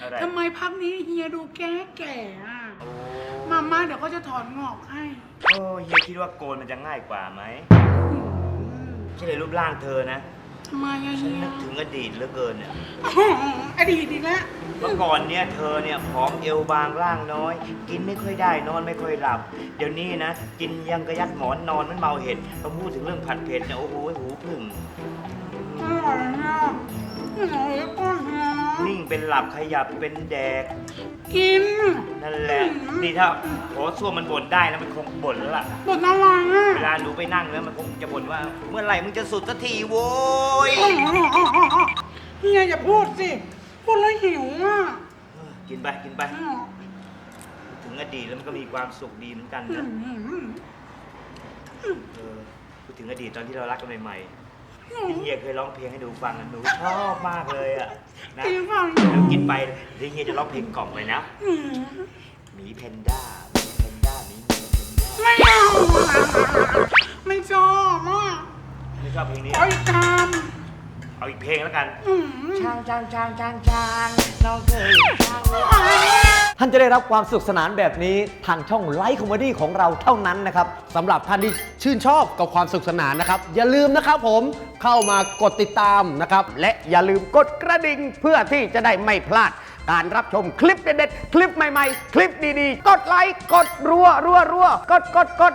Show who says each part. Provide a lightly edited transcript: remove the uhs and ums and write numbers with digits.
Speaker 1: ทำไมพักนี้เฮียดูแก่แก่อะมาเดี๋ยวก็จะถอนงอกให้
Speaker 2: โอ้เฮียคิดว่าโกนมันจะง่ายกว่าไหมใช่เลยรูปร่างเธอนะ
Speaker 1: ทำไมอะ
Speaker 2: ฉัน
Speaker 1: เฮีย
Speaker 2: นึกถึงอดีตเหลือเกินเนี่ย
Speaker 1: อดีตอีกแล้ว
Speaker 2: เมื่อก่อนเนี่ยเธอเนี่ยผอมเอวบางร่างน้อย กินไม่ค่อยได้นอนไม่ค่อยหลับ เดี๋ยวนี้นะกินยังกระยัดหมอนนอนมันเมาเห็ดพอพูดถึงเรื่องผัดเผ็ดเนี่ยโอ้โหหูพึ่ง
Speaker 1: อร่อยเนี่ยอร่อยก้อนเฮียนะ
Speaker 2: นิ่งเป็นหลับขยับเป็นแดก
Speaker 1: กิน
Speaker 2: นั่นแหละนี่ถ้าโหส้วมมันบ่นได้นะมันคงบ่นแล้วล่ะ
Speaker 1: บทอะไรอ่ะ
Speaker 2: เวลาหนูไปนั่งแล้วมันคงจะบ่นว่า เมื่อไหร่มึงจะสุดสักทีโว้ย
Speaker 1: เฮียอย่าพูดสิพูดแล้วหิวอ่ะ
Speaker 2: กินไปกินไป ถึงอดีตแล้วมันก็มีความสุขดีเหมือนกันนะพูดถึงอดีตตอนที่เรารักกันใหม่ๆพี่เฮียเคยร้องเพลงให้ดูฟังนะหนูชอบมากเลยอ่ะนะ
Speaker 1: กินฟัง
Speaker 2: แล้วกินไปเดี๋ยวเฮียจะร้องเพลงกล่อมไปนะหมีแพนด้าหมีแพนด้าหมีแพนด้า
Speaker 1: ไม่เอาไม่ชอบอ่ะ
Speaker 2: ไม่ชอบเพลงนี้
Speaker 1: ขออีกค
Speaker 2: เอาอีกเพลงแล้วกัน
Speaker 1: ำ
Speaker 2: ช้างช้างช้างช้างช้างน้องเคยช้าง
Speaker 3: ท่านจะได้รับความสนุขสนานแบบนี้ทางช่องไลฟ์คอมเมดี้ของเราเท่านั้นนะครับ
Speaker 4: สำหรับท่านที่ชื่นชอบกับความสนุขสนานนะครับ อย่าลืมนะครับผมเข้ามากดติดตามนะครับ และอย่าลืมกดกระดิ่งเพื่อที่จะได้ไม่พลาด การรับชมคลิปเด็ดๆ คลิปใหม่ๆ คลิปดีๆ กดไลค์ กดรัวกด